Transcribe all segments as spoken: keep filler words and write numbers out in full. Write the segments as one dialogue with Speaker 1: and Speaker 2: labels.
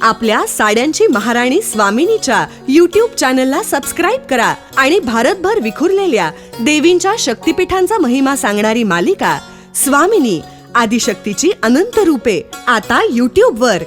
Speaker 1: आपल्या साड्यांची महाराणी स्वामिनीच्या यूट्यूब चॅनलला सबस्क्राईब करा आणि भारतभर विखुरलेल्या देवींच्या शक्तिपीठांचा महिमा सांगणारी मालिका स्वामिनी आदिशक्तीची अनंत रूपे आता यूट्यूब वर.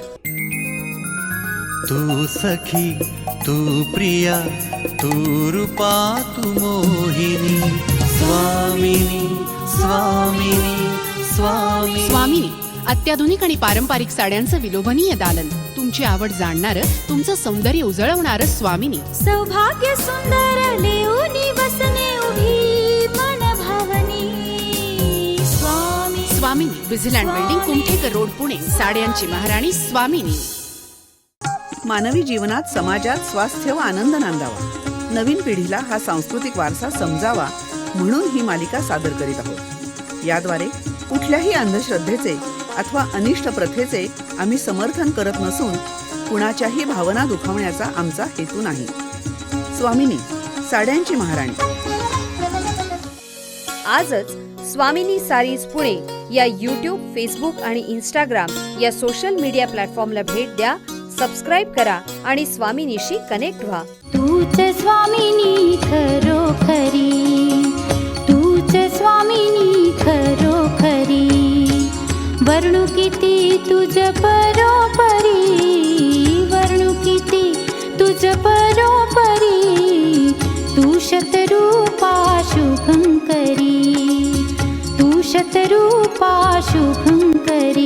Speaker 2: तू सखी, तू प्रिया, तू रूपा, तू मोहिनी. स्वामिनी स्वामिनी स्वामिनी.
Speaker 3: स्वामिनी अत्याधुनिक आणि पारंपरिक साड्यांचं विलोभनीय दालन, तुमची आवड जाणणारं, तुमचं सौंदर्य उजळवणारं स्वामिनी.
Speaker 4: सौभाग्य सुंदर लेऊनी वसने उभी मन भावनी. Swami
Speaker 3: Swamini Busyland building, Kumthekar road, Pune. साड्यांची महाराणी स्वामिनी.
Speaker 5: मानवी जीवनात, समाजात स्वास्थ्य व आनंद नांदावा, नवीन पिढीला हा सांस्कृतिक वारसा समजावा म्हणून ही मालिका सादर करीत आहोत. याद्वारे कुठल्याही अंधश्रद्धेचे अथवा अनिष्ट प्रथेचे आम्ही समर्थन करत नसून कुणाच्याही भावना दुखावण्याचा आमचा हेतू नाही. स्वामिनी साड्यांची महाराणी.
Speaker 6: आजच स्वामिनी सारीज पुणे या यूट्यूब, फेसबुक आणि इंस्टाग्राम या सोशल मीडिया प्लॅटफॉर्मला भेट द्या, सबस्क्राईब करा आणि स्वामिनीशी कनेक्ट व्हा.
Speaker 4: तूच स्वामिनी खरोखरी, तूच स्वामिनी खरोखरी. वर्णू किती तुझ परोपरी, वर्णू किती तुझ परोपरी. तू शतरूपा शुभंकरी, तू शतरूपा शुभंकरी.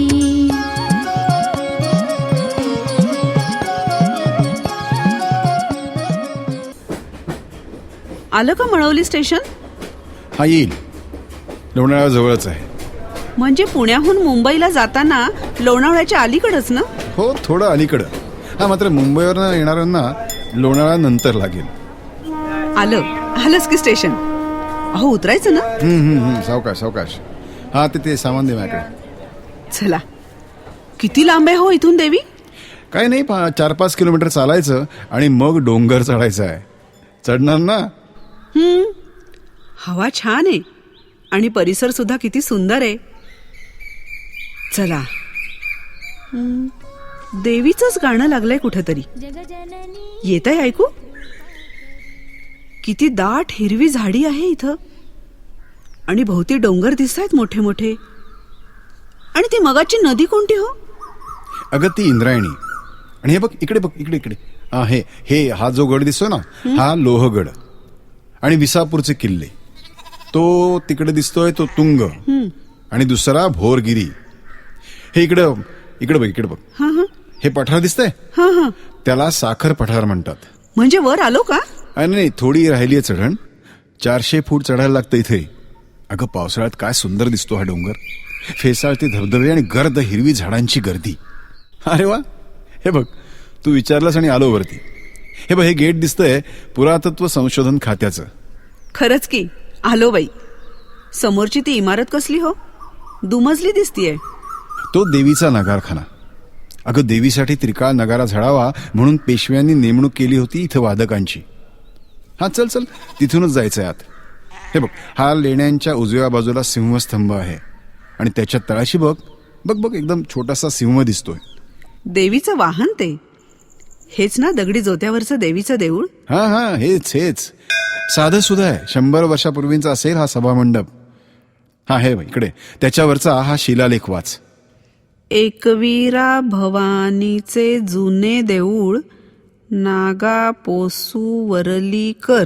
Speaker 5: आलं का मळवली स्टेशन?
Speaker 7: हा येईल, लोणावळा जवळच आहे.
Speaker 5: म्हणजे पुण्याहून मुंबईला जाताना लोणावळ्याच्या अलीकडच ना?
Speaker 7: हो, थोडं अलीकडं. हा, मात्र मुंबईवरनं येणाऱ्यांना लोणावळा नंतर लागेल.
Speaker 5: आलं आलंच की स्टेशन. अहो उतरायचं ना.
Speaker 7: हम्म, हम्म, हम्म, सावकाश सावकाश. हा, ते ते सामान दे माझ्याकडे.
Speaker 5: चला. किती लांब आहे हो इथून देवी?
Speaker 7: काय नाही, पा चार पाच किलोमीटर चालायचं आणि मग डोंगर चढायचं आहे. चढणार ना?
Speaker 5: हम्म, हवा छान आहे आणि परिसर सुद्धा किती सुंदर आहे. चला. हम्म, देवीचंच गाणं लागलंय कुठेतरी. येतंय ऐकू? किती दाट हिरवी झाडी आहे इथं आणि भोवती डोंगर दिसतायत मोठे मोठे. आणि ती मगाची नदी कोणती हो?
Speaker 7: अगं, ती इंद्रायणी. आणि हे बघ इकडे, बघ इकडे इकडे. हा, हे हे हा जो गड दिसतो ना, हा लोहगड. आणि विसापूरचे किल्ले, तो तिकडे दिसतोय तो तुंग. आणि दुसरा भोरगिरी. हे इकडं इकडे बघ इकडे बघ.
Speaker 5: हा हा.
Speaker 7: हे पठार दिसतंय,
Speaker 5: हा हा.
Speaker 7: त्याला साखर पठार म्हणतात.
Speaker 5: म्हणजे वर आलो का?
Speaker 7: अरे नाही, थोडी राहिली आहे चढण. चारशे फूट चढायला लागतं इथे. अगं, पावसाळ्यात काय सुंदर दिसतो हा डोंगर. फेसाळते धबधबे आणि गर्द हिरवी झाडांची गर्दी. अरे वा, हे बघ, तू विचारलंस आणि आलो वरती. हे बघ, हे गेट दिसतंय पुरातत्व संशोधन खात्याचं.
Speaker 5: खरंच की आलो बाई. समोरची ती इमारत कसली हो? दुमजली दिसतीये.
Speaker 7: तो देवीचा नगारखाना. अगं, देवीसाठी त्रिकाळ नगारा झाडावा म्हणून पेशव्यांनी नेमणूक केली होती इथं वादकांची. हा, चल चल, तिथूनच जायचंय आत. हे बघ, हा लेण्यांच्या उजव्या बाजूला सिंहस्तंभ आहे आणि त्याच्या तळाशी बघ बघ बघ एकदम छोटासा सिंह दिसतोय.
Speaker 5: देवीचं वाहन ते हेच ना, दगडी जोत्यावरचं देवीचं देऊळ?
Speaker 7: हा हा, हेच हेच. साधं सुद्धा आहे. शंभर वर्षापूर्वींचा असेल हा सभामंडप. हा, हे इकडे त्याच्यावरचा हा शिलालेख वाच.
Speaker 5: एकवीरा भवानीचे जुने देऊळ, नागा पोसू वरलीकर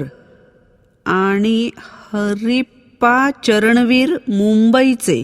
Speaker 5: आणि हरिप्पा चरणवीर मुंबईचे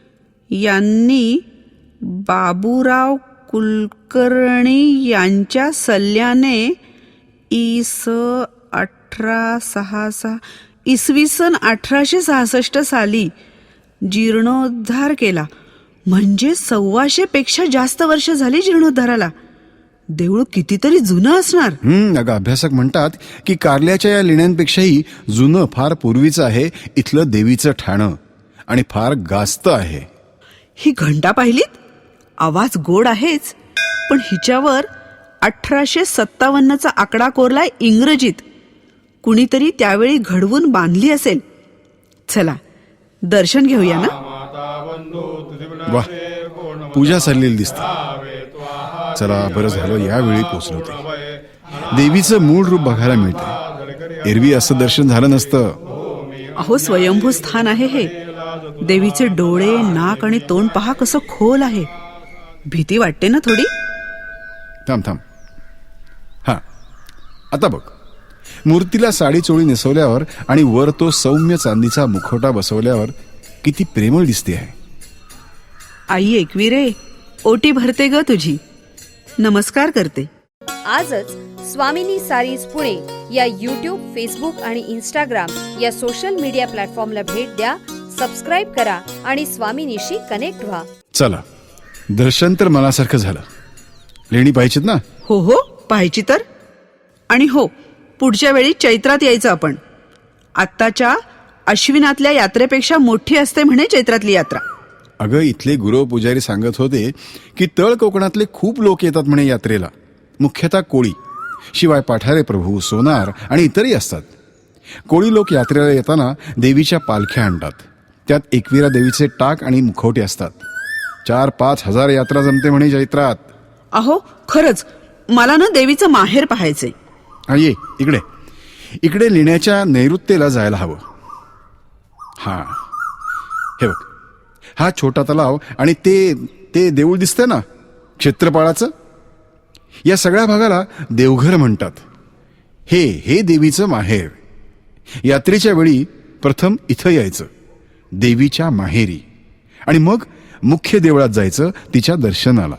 Speaker 5: यांनी बाबूराव कुलकर्णी यांच्या सल्ल्याने इस अठरा सहा सहा इसवी सन अठराशे सहासष्ट साली जीर्णोद्धार केला. म्हणजे सव्वाशे पेक्षा जास्त वर्ष झाली जीर्णोद्धाराला. देऊळ कितीतरी जुनं असणार.
Speaker 7: हम्म, अगं, अभ्यासक म्हणतात की कारल्याच्या या लेण्यांपेक्षाही जुनं, फार पूर्वीचं आहे इथलं देवीचं ठाणं. आणि फार गास्त आहे.
Speaker 5: ही घंटा पाहिलीत? आवाज गोड आहेच, पण हिच्यावर अठराशे सत्तावन्नचा आकडा कोरलाय इंग्रजीत. कुणीतरी त्यावेळी घडवून बांधली असेल. चला, दर्शन घेऊया ना.
Speaker 7: वा, पूजा चाललेली दिसते. चला बरं झालं यावेळी पोचलो ते. देवीचं मूळ रूप बघायला मिळते. एरवी असं दर्शन झालं नसतं.
Speaker 5: अहो स्वयंभू स्थान आहे हे. देवीचे डोळे, नाक आणि तोंड पहा कसं खोल आहे. भीती वाटते ना थोडी.
Speaker 7: थांब थांब हा आता बघ. मूर्तीला साडी चोळी नेसवल्यावर आणि वर तो सौम्य चांदीचा मुखवटा बसवल्यावर किती प्रेमळ दिसते आहे.
Speaker 5: आई एकविरे, ओटी भरते ग तुझी. नमस्कार करते.
Speaker 6: आजच स्वामिनी सारीज पुणे या यूट्यूब, फेसबुक आणि इंस्टाग्राम या सोशल मीडिया प्लॅटफॉर्मला भेट द्या. सबस्क्राईब करा आणि स्वामिनीशी कनेक्ट व्हा.
Speaker 7: चला दर्शन तर मनासारखं झालं. लेणी पाहिजेत ना?
Speaker 5: हो हो पाहायची तर. आणि हो, पुढच्या वेळी चैत्रात यायचं आपण. आत्ताच्या अश्विनातल्या यात्रेपेक्षा मोठी असते म्हणे चैत्रातली यात्रा.
Speaker 7: अगं इथले गुरव पुजारी सांगत होते की तळ कोकणातले खूप लोक येतात म्हणे यात्रेला. मुख्यतः कोळी, शिवाय पाठारे प्रभू, सोनार आणि इतरही असतात. कोळी लोक यात्रेला येताना देवीच्या पालख्या आणतात. त्यात एकविरा देवीचे टाक आणि मुखवटे असतात. चार पाच हजार यात्रा जमते म्हणे चैत्रात.
Speaker 5: अहो खरंच मला ना देवीचं माहेर पाहायचंय.
Speaker 7: हा ये इकडे. इकडे लेण्याच्या नैऋत्येला जायला हवं. हा हे बघ, हा छोटा तलाव आणि ते ते देऊळ दिसतंय ना क्षेत्रपाळाचं. या सगळ्या भागाला देवघर म्हणतात. हे हे देवीचं माहेर. यात्रेच्या वेळी प्रथम इथं यायचं, देवीच्या माहेरी, आणि मग मुख्य देवळात जायचं तिच्या दर्शनाला.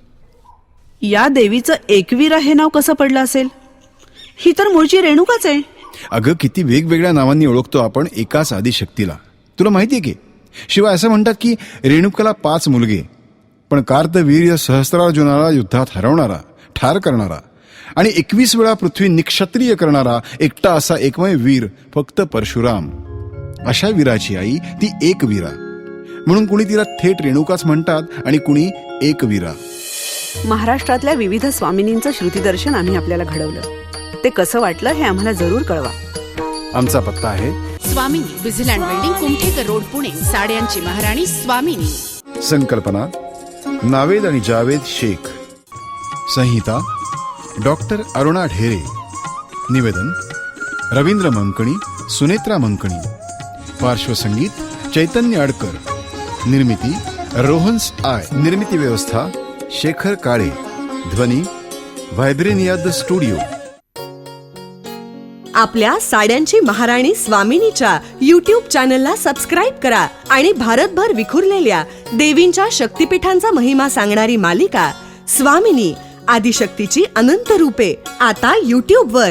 Speaker 5: या देवीचं एकवीरा हे नाव कसं पडलं असेल? ही तर मूळची रेणुकाच आहे.
Speaker 7: अगं किती वेगवेगळ्या नावांनी ओळखतो आपण एकाच आदिशक्तीला. तुला माहितीये की शिवाय असं म्हणतात की रेणुकाला पाच मुलगे, पण कार्तवीर्य सहस्त्रार्जुनाला युद्धात हरवणारा, ठार करणारा आणि एकवीस वेळा पृथ्वी निक्षत्रिय करणारा एकटा असा एकमेव वीर फक्त परशुराम. अशा वीराची आई ती एकवीरा, म्हणून कुणी तिला थेट रेणुकाच म्हणतात आणि कुणी एकवीरा.
Speaker 5: महाराष्ट्रातल्या विविध स्वामिनींचं श्रुतीदर्शन आम्ही आपल्याला घडवलं. ते कसं वाटलं हे आम्हाला जरूर कळवा.
Speaker 7: आमचा पत्ता आहे
Speaker 3: Swamini, Busyland building, Kumthekar road, Pune. साड्यांची महाराणी स्वामिनी.
Speaker 7: संकल्पना नावेद आणि जावेद शेख. संहिता डॉक्टर अरुणा ढेरे. निवेदन रवींद्र मंकणी, सुनेत्रा मंकणी. पार्श्वसंगीत चैतन्य अडकर. निर्मिती रोहन्स आय. निर्मिती व्यवस्था शेखर काळे. ध्वनी व्हायब्रेनिया द स्टुडिओ.
Speaker 1: आपल्या साड्यांची महाराणी स्वामिनीच्या यूट्यूब चॅनलला सबस्क्राईब करा आणि भारतभर विखुरलेल्या देवींच्या शक्तिपीठांचा महिमा सांगणारी मालिका स्वामिनी आदिशक्तीची अनंत रूपे आता यूट्यूब वर.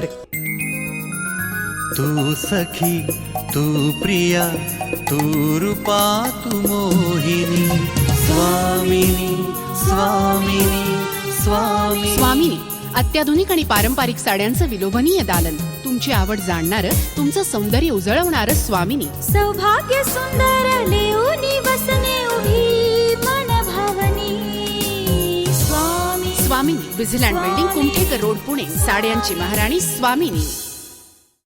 Speaker 2: तू सखी, तू प्रिया, तू रूपा, तू मोहिनी. स्वामिनी स्वामिनी स्वामिनी.
Speaker 3: स्वामिनी, अत्याधुनिक आणि पारंपरिक साड्यांचं विलोभनीय दालन. तुमची आवड जाणणारं, तुमचं सौंदर्य उजळवणारं स्वामिनी.
Speaker 4: सौभाग्य सुंदर लेऊनी बसने उभी मन भावनी. Swami
Speaker 3: Swamini, Busyland building, Kumthekar road, Pune. साड्यांची महाराणी स्वामिनी.